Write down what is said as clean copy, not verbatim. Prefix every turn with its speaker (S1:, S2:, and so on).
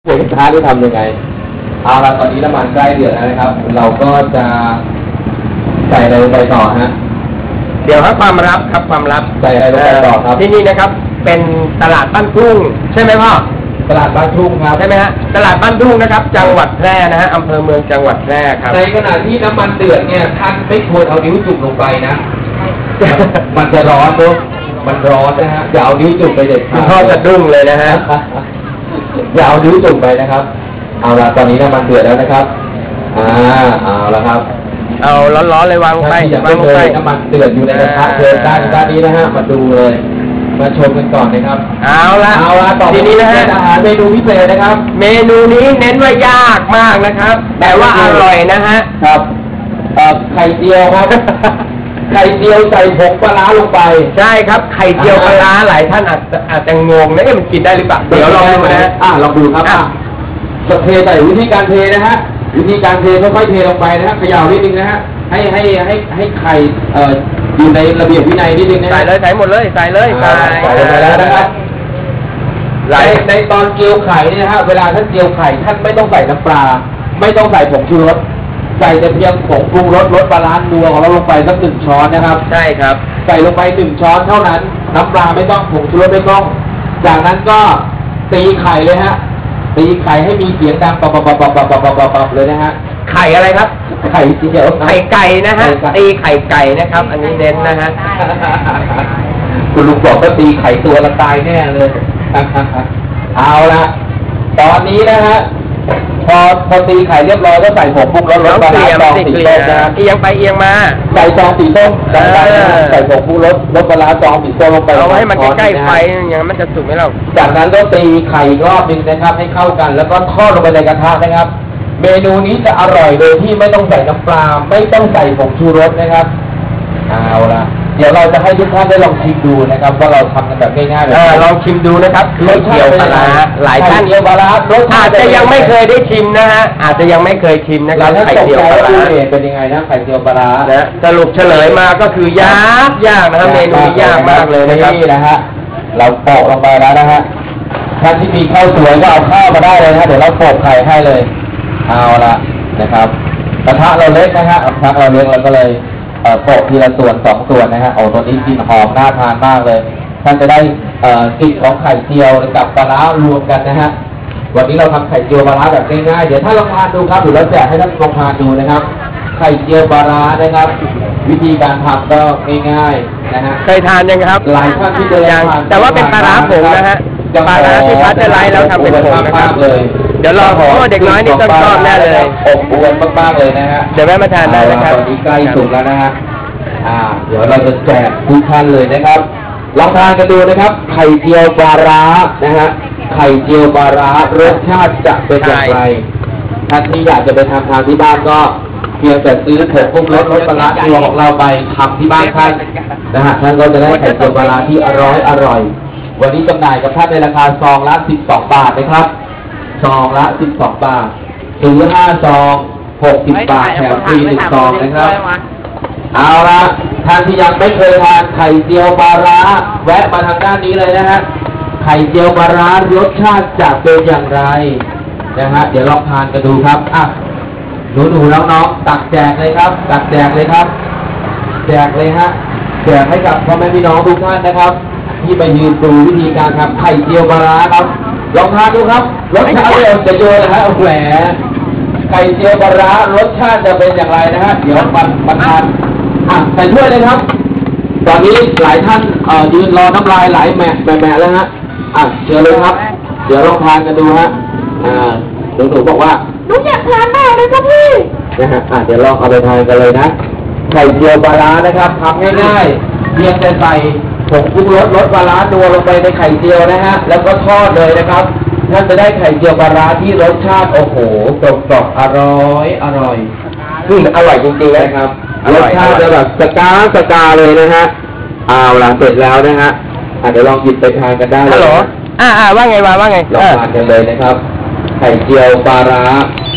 S1: กระทะที่ทำยังไงเอาละตอนนี้น้ำมันใกล้เดือดแล้วนะครับเราก็จะใส่อะไรลงไปต่อฮะ
S2: เดี๋ยวครับความลับครับความลับ
S1: ใส่อะไรลงไปต่อครับ
S2: ที่นี่นะครับเป็นตลาดบ้านทุ่งใช่ไหมพ่อ
S1: ตลาดบ้านทุ่งครับ
S2: ใช่ไหมฮะตลาดบ้านทุ่งนะครับจังหวัดแพร่นะฮะอำเภอเมืองจังหวัดแพร่ครับ
S1: ในขณะที่น้ำมันเดือดเนี่ยท่านไม่ควรเอานิ้วจุ่มลงไปนะมันจะร้อนด้วยมันร้อนนะฮะอย่าเอานิ้วจุ่มไปเด็ดขาด
S2: พ่อจะดุ้งเลยนะฮะ
S1: อย่าเอานิ้วจุ่มไปนะครับเอาละตอนนี้น้ำมันเดือดแล้วนะครับเอาละครับ
S2: เอาร้อนๆเลยวางไป
S1: วางไปน้ำมันเดือดอยู่ในกระทะเดือดด้านนี้นะฮะมาดูเลยมาชมกันก่อนนะครับ
S2: เอาละ
S1: ต่อทีนี้นะฮะอาหารเมนูพิเศษนะครับ
S2: เมนูนี้เน้นว่ายากมากนะครับแต่ว่าอร่อยนะฮะ
S1: ครับไข่เจียวครับไข่เจียวใส่ผงปลาร้าลงไป
S2: ใช่ครับไข่เจียวปลาร้าหลายท่านอาจจะงงนะมันกินได้หรือเปล่าเดี๋ยวลองดูนะ
S1: ลองดูครับเทใส่วิธีการเทนะฮะวิธีการเทค่อยๆเทลงไปนะฮะเขย่านิดนึงนะฮะให้ไข่อยู่ในระเบียบวินัยนิดนึงนะ
S2: ใส่เลยใส่หมดเลยใส่เลย
S1: ใส่ไปแล้วนะครับในตอนเจียวไข่นี่นะฮะเวลาท่านเจียวไข่ท่านไม่ต้องใส่น้ำปลาไม่ต้องใส่ผงชูรสใส่แต่เพียงผงปรุงรสปลาร้านัวของเราลงไปสัก1 ช้อนนะครับ
S2: ใช่ครับ
S1: ใส่ลงไป1 ช้อนเท่านั้นน้ำปลาไม่ต้องผงชูรสไม่ต้องจากนั้นก็ตีไข่เลยฮะตีไข่ให้มีเสียงดังปับเลยนะฮะ
S2: ไข่อะไรครับ
S1: ไข่เจียว
S2: ไข่ไก่นะฮะตีไข่ไก่นะครับอันนี้เน้นนะฮะ
S1: คุณลุงบอกก็ตีไข่ตัวละตายแน่เลยเอาละตอนนี้นะฮะพอตีไข่เรียบร้อยก็ใส่ผงปรุงรสปลาร้าซองสีส้มนะ
S2: เอียงไปเอียงมา
S1: ใส่ซองสีส้มใส่ผงปรุงรสปลาร้าซองสีส้มลงไป
S2: เอาให้มันใกล้ไฟอย่างมันจะสุกไหมเรา
S1: จากนั้นก็ตีไข่รอบนึงนะครับให้เข้ากันแล้วก็ทอดลงไปในกระทะนะครับเมนูนี้จะอร่อยโดยที่ไม่ต้องใส่น้ำปลาไม่ต้องใส่ผงชูรสนะครับเอาละเดี๋ยวเราจะให้ทุกท่านได้ลองชิมดูนะครับว่าเราทำกันแบบง่ายๆเลย
S2: ลองชิมดูนะครับไข่เจียวปลาร้าหลายท่าน
S1: เจียวปลาร้ารส
S2: อาจจะยังไม่เคยได้ชิมนะฮะอาจจะยังไม่เคยชิมนะครับไข่เจียวปลาร้า
S1: เป็นยังไงนะไข่เจียวปลาร้า
S2: นะสรุปเฉลยมาก็คือยากนะครับเมนูยากมากเลยนะครับ
S1: นี่นะฮะเราโปะลงไปแล้วนะฮะท่านที่มีข้าวสวยก็เอาข้าวมาได้เลยนะเดี๋ยวเราโปะไข่ให้เลยเอาละนะครับกระทะเราเล็กนะฮะกระทะเราเล็กเราก็เลยโปะทีละส่วน2 ส่วนนะฮะตัวนี้กลิ่นหอมน่าทานมากเลยท่านจะได้กลิ่นของไข่เจียวกับปลาร้ารวมกันนะฮะวันนี้เราทำไข่เจียวปลาร้าแบบง่ายๆเดี๋ยวท่านลองทานดูครับหรือเราแจกให้ท่านลองทานดูนะครับไข่เจียวปลาร้านะครับวิธีการทำก็ง่ายๆนะฮะ
S2: เคยทานยังครับ
S1: หลายท่านที่เคยทาน
S2: แต่ว่าเป็นปลาร้าผงนะฮะปลาร้าที่พัดจะไล่เราทำเป็นผงนะครับ
S1: เลย
S2: เดี๋ยวรอเพราะว่าเด็กน้อยนี่ต้องชอบแน่เลย
S1: อบอวลมากๆเลยนะฮะ
S2: เดี๋ยวแม่มาทานได้นะครับ
S1: ตอนนี้ใกล้สุกแล้วนะฮะเดี๋ยวเราจะแจกทุกท่านเลยนะครับลองทานกันดูนะครับไข่เจียวปลาร้านะฮะไข่เจียวปลาร้ารสชาติจะเป็นอย่างไรท่านที่อยากจะไปทำทานที่บ้านก็เพียงแต่ซื้อผงปรุงรสปลาร้าตัวของเราไปทำที่บ้านท่านนะฮะท่านก็จะได้ไข่เจียวปลาร้าที่อร่อยวันนี้จำหน่ายกับท่านในราคาซองละ12 บาทนะครับซองละ12 บาทซื้อ5 ซอง60 บาทแถมฟรี1 ซองนะครับเอาละท่านที่ยังไม่เคยทานไข่เจียวปลาร้าแวะมาทางด้านนี้เลยนะฮะไข่เจียวปลาร้ารสชาติจะเป็นอย่างไรนะฮะเดี๋ยวลองทานกันดูครับหนูน้องๆตักแจกเลยครับตักแจกเลยครับแจกเลยฮะแจกให้กับพ่อแม่พี่น้องทุกท่านนะครับที่มายืนดูวิธีการทำไข่เจียวปลาร้าครับลองทานดูครับรสชาติจะโยนนะฮะแหมไข่เจียวปลาร้ารสชาติจะเป็นอย่างไรนะฮะเดี๋ยวมาทานใส่ถ้วยเลยครับตอนนี้หลายท่านยืนรอน้ำลายไหลแหม่แล้วฮะเชิญเลยครับเดี๋ยวลองทานกันดูฮะหนูบอกว่า
S3: หนูอยากทานมากเลยครับพี่
S1: นะฮะเดี๋ยวลองเอาไปทานกันเลยนะไข่เจียวปลาร้านะครับทำง่ายๆเพียงแต่ใส่ผงปรุงรสปลาร้านัวลงไปในไข่เจียวนะฮะแล้วก็ทอดเลยนะครับท่านจะได้ไข่เจียวปลาร้าที่รสชาติโอ้โหกรอบอร่อยอร่อยจริงๆนะครับรสชาติจะแบบสกาเลยนะฮะเอาล่ะเสร็จแล้วนะฮะเดี๋ยวลองหยิบไปทานกันได้เลย
S2: ฮัลโหลว่าไงลอง
S1: ทานกันเลยนะครับไข่เจียวปลาร้า